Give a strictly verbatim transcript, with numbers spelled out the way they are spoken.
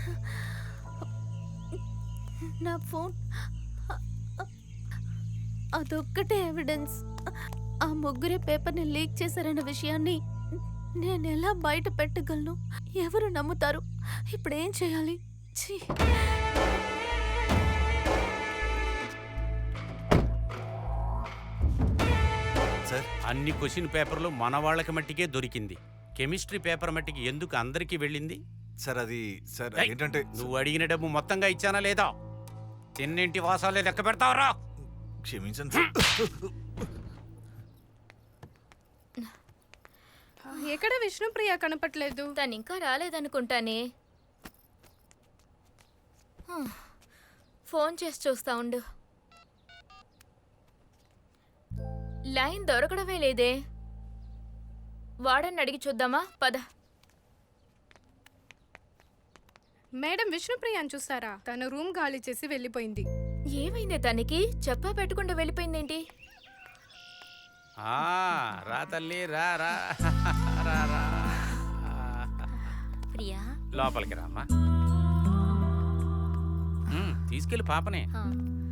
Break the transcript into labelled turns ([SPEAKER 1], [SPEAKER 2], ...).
[SPEAKER 1] నా ఫోన్ అదొక్కటే ఎవిడెన్స్. ఆ ముగ్గురే పేపర్ని లీక్ చేశారన్న విషయాన్ని నేను ఎలా బయట పెట్టగలను? ఎవరు నమ్ముతారు? ఇప్పుడు ఏం చేయాలి? ఛీ!
[SPEAKER 2] సార్,
[SPEAKER 3] అన్ని క్వశ్చన్ పేపర్లు మన వాళ్ళకి మట్టికే దొరికింది. కెమిస్ట్రీ పేపర్ మట్టికి ఎందుకు అందరికీ వెళ్ళింది?
[SPEAKER 2] సార్ అది సార్
[SPEAKER 3] ఏయ్,
[SPEAKER 2] ఏంటంటే
[SPEAKER 3] నువ్వు అడిగిన డబ్బు మొత్తంగా ఇచ్చానా లేదా? తిన్నింటి వాసాలే లెక్క పెడతావరా?
[SPEAKER 2] క్షమించండి సార్.
[SPEAKER 4] ఎక్కడ విష్ణుప్రియ కనపట్లేదు?
[SPEAKER 1] తను ఇంకా రాలేదనుకుంటానే. హ్మ్. ఫోన్ చేసి చూస్తా ఉండు. లైన్ దొరకడమే లేదే. వాడని అడిగి చూద్దామా? పద.
[SPEAKER 4] మేడం విష్ణుప్రియని చూస్తారా? తన రూమ్ ఖాళీ చేసి వెళ్ళిపోయింది.
[SPEAKER 1] ఏమైంది తనకి? చెప్పా పెట్టకుండా వెళ్ళిపోయిందేంటి?
[SPEAKER 3] ఆ, రా తల్లి, రా రా రా రా.
[SPEAKER 1] ప్రియా,
[SPEAKER 3] లోపలికి రామ్మా. ఉమ్, తీసుకెళ్ళి పాపనే.
[SPEAKER 1] ఆ.